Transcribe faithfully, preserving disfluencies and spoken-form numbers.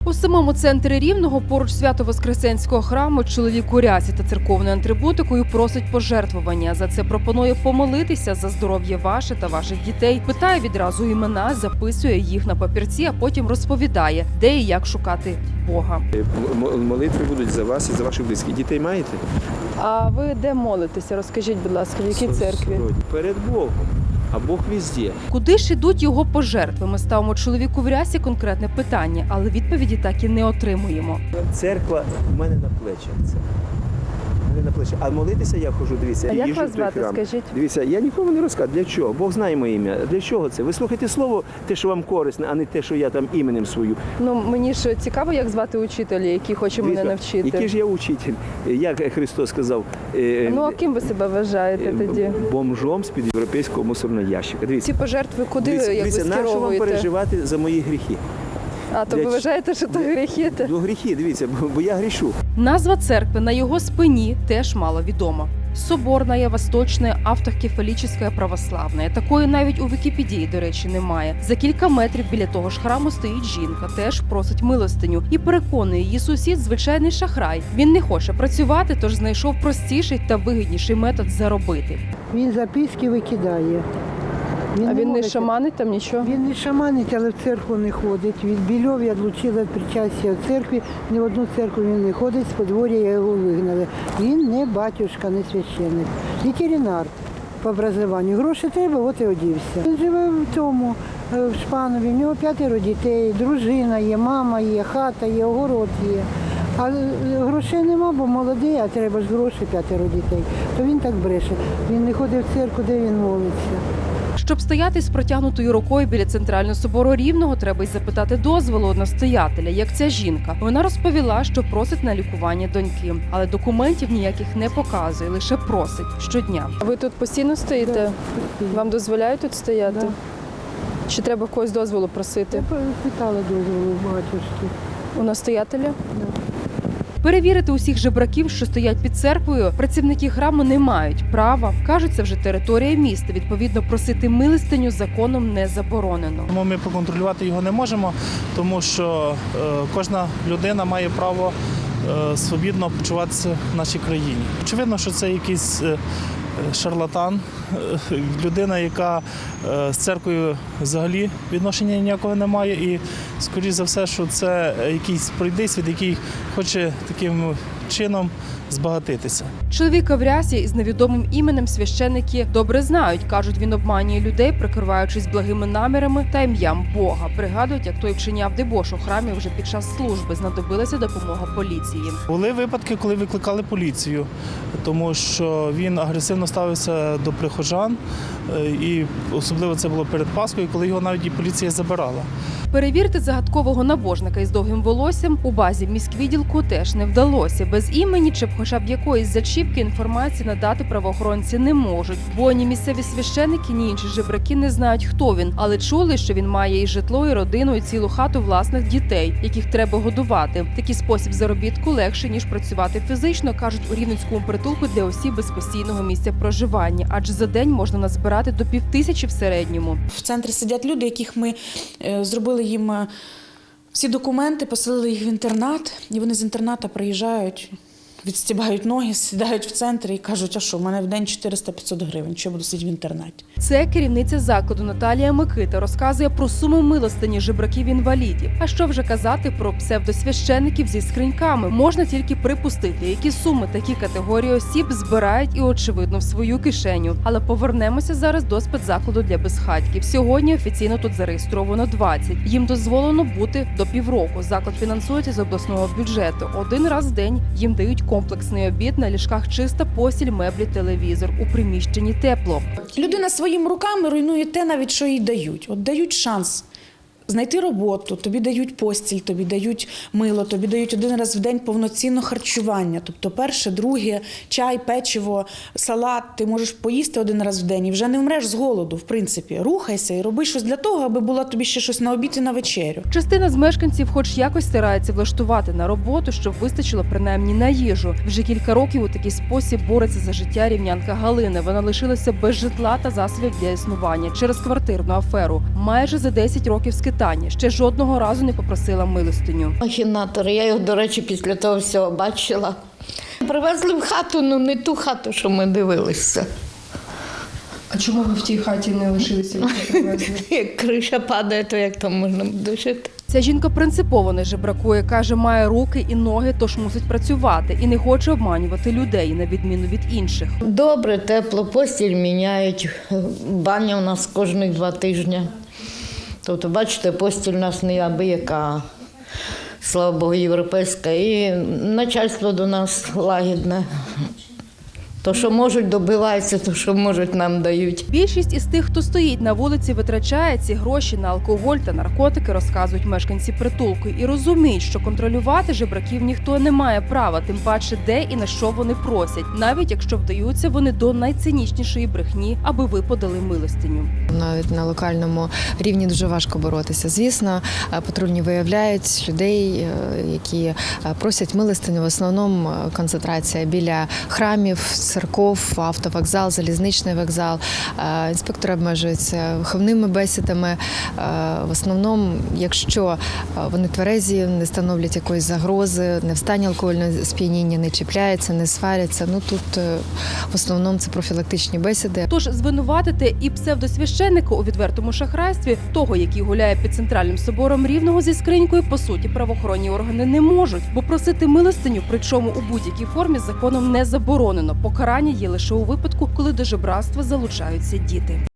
У самому центрі Рівного, поруч Свято-Воскресенського храму, чоловік у рясі та церковною атрибутикою просить пожертвування. За це пропонує помолитися за здоров'я ваше та ваших дітей. Питає відразу імена, записує їх на папірці, а потім розповідає, де і як шукати Бога. Молитви будуть за вас і за ваших близьких. Дітей маєте? А ви де молитеся? Розкажіть, будь ласка, в якій церкві? Перед Богом. А Бог везде. Куди ж ідуть його пожертви? Ми ставимо чоловіку в рясі конкретне питання, але відповіді так і не отримуємо. Церква в мене на плечах. Це. В мене на плечах. А молитися я ходжу, дивіться. А як їжджу вас в той звати, храм. скажіть? Дивіться, я нікому не розказую. Для чого? Бог знає моє ім'я. Для чого це? Ви слухайте слово, те, що вам корисне, а не те, що я там іменем свою. Ну, мені ж цікаво, як звати учителя, який хоче мене навчити. Який ж я учитель? Як Христос сказав? Ну, а ким ви себе вважаєте тоді? Бомжом з-під європейського мусорного ящика. Дивіться. Ці пожертви куди, Дивіться, як ви дивіться, нащо вам скеровуєте? переживати за мої гріхи? А, то Для ви ч- вважаєте, що то гріхи? Ну, гріхи, дивіться, бо я грішу. Назва церкви на його спині теж мало відома. Соборная, Восточная, Автокефалічна, Православна. Такої навіть у Вікіпедії, до речі, немає. За кілька метрів біля того ж храму стоїть жінка, теж просить милостиню і переконує її сусід звичайний шахрай. Він не хоче працювати, тож знайшов простіший та вигідніший метод заробити. Він записки викидає. А він не молиться. шаманить там нічого? Він не шаманить, але в церкву не ходить. Від Більов я відлучила від причастя в церкві. Ні в одну церкву він не ходить, з подвор'я його вигнали. Він не батюшка, не священник. Ветеринар по образованню. Гроші треба, от і одівся. Він живе в тому, в Шпанові, в нього п'ятеро дітей, дружина є, мама є, хата є, огород є. А грошей нема, бо молодий, а треба ж гроші, п'ятеро дітей. То він так бреше. Він не ходить в церкву, де він молиться. Щоб стояти з протягнутою рукою біля центрального собору Рівного, треба й запитати дозволу у настоятеля, як ця жінка. Вона розповіла, що просить на лікування доньки, але документів ніяких не показує, лише просить щодня. А ви тут постійно стоїте? Да. Вам дозволяють тут стояти? Да. Чи треба в когось дозволу просити? Я питала дозволу у батюшки. У настоятеля? Перевірити усіх жебраків, що стоять під церквою, працівники храму не мають права. Кажуть, це вже територія міста. Відповідно, просити милостиню законом не заборонено. Тому ми поконтролювати його не можемо, тому що е, кожна людина має право е, свобідно почуватися в нашій країні. Очевидно, що це якийсь е, шарлатан, е, людина, яка е, з церквою взагалі відношення ніякого не має. І, скоріш за все, що це якийсь пройдисвіт, який хоче таким чином збагатитися. Чоловіка в рясі із невідомим іменем священники добре знають. Кажуть, він обманює людей, прикриваючись благими намірами та ім'ям Бога. Пригадують, як той вчиняв дебош у храмі вже під час служби. Знадобилася допомога поліції. Були випадки, коли викликали поліцію, тому що він агресивно ставився до прихожан, е, і особливо це було перед Пасхою, коли його навіть і поліція забирала. Перевірити загадкового набожника із довгим волоссям у базі міськвідділку теж не вдалося. Без імені чи хоча б якоїсь зачіпки інформації надати правоохоронці не можуть. Бо ні місцеві священики, ні інші жебраки не знають, хто він. Але чули, що він має і житло, і родину, і цілу хату власних дітей, яких треба годувати. Такий спосіб заробітку легше, ніж працювати фізично, кажуть у Рівненському притулку для осіб без постійного місця проживання. Адже за день можна назбирати до півтисячі в середньому. В центрі сидять люди, яких ми е, зробили їм е, всі документи, поселили їх в інтернат, і вони з інтерната приїжджають, відстібають ноги, сідають в центрі і кажуть, а що, в мене в день чотириста-п'ятсот гривень, що я буду сидіти в інтернаті. Це керівниця закладу Наталія Микита розказує про суму милостині жебраків-інвалідів. А що вже казати про псевдосвящеників зі скриньками? Можна тільки припустити, які суми такі категорії осіб збирають і, очевидно, в свою кишеню. Але повернемося зараз до спецзакладу для безхатьків. Сьогодні офіційно тут зареєстровано двадцять. Їм дозволено бути до півроку. Заклад фінансується з обласного бюджету. Один раз в день їм дають комплексний обід, на ліжках чиста постіль, меблі, телевізор. У приміщенні тепло. Людина своїми руками руйнує те, навіть що їй дають. От дають шанс знайти роботу, тобі дають постіль, тобі дають мило, тобі дають один раз в день повноцінне харчування. Тобто перше, друге, чай, печиво, салат. Ти можеш поїсти один раз в день і вже не вмреш з голоду, в принципі. Рухайся і роби щось для того, аби було тобі ще щось на обід і на вечерю. Частина з мешканців хоч якось старається влаштувати на роботу, щоб вистачило принаймні на їжу. Вже кілька років у такий спосіб бореться за життя рівнянка Галина. Вона лишилася без житла та засобів для існування через квартирну аферу. Майже за десять років скитання питання. Ще жодного разу не попросила милостиню. Махінатори, я його, до речі, після того всього бачила. Привезли в хату, ну не ту хату, що ми дивилися. А чому ви в тій хаті не лишилися? Як криша падає, то як там можна буде жити? Ця жінка принципово не жебракує, каже, має руки і ноги, тож мусить працювати і не хоче обманювати людей, на відміну від інших. Добре, тепло, постіль міняють, баня у нас кожні два тижні. Тобто, бачите, постіль у нас не абияка, слава Богу, європейська, і начальство до нас лагідне. То, що можуть, добиваються, то, що можуть, нам дають. Більшість із тих, хто стоїть на вулиці, витрачає ці гроші на алкоголь та наркотики, розказують мешканці притулку, і розуміють, що контролювати жебраків ніхто не має права, тим паче де і на що вони просять, навіть якщо вдаються вони до найцинічнішої брехні, аби ви подали милостиню. Навіть на локальному рівні дуже важко боротися. Звісно, патрульні виявляють людей, які просять милостиню. В основному концентрація біля храмів, церков, автовокзал, залізничний вокзал. Інспектори обмежуються виховними бесідами. В основному, якщо вони тверезі, не становлять якоїсь загрози, не в стані алкогольного сп'яніння, не чіпляються, не сваряться. Ну тут в основному це профілактичні бесіди. Тож звинуватити і псевдосвященника у відвертому шахрайстві, того, який гуляє під центральним собором Рівного зі скринькою, по суті, правоохоронні органи не можуть, бо просити милостиню, причому у будь-якій формі, законом не заборонено. Покарання є лише у випадку, коли до жебратства залучаються діти.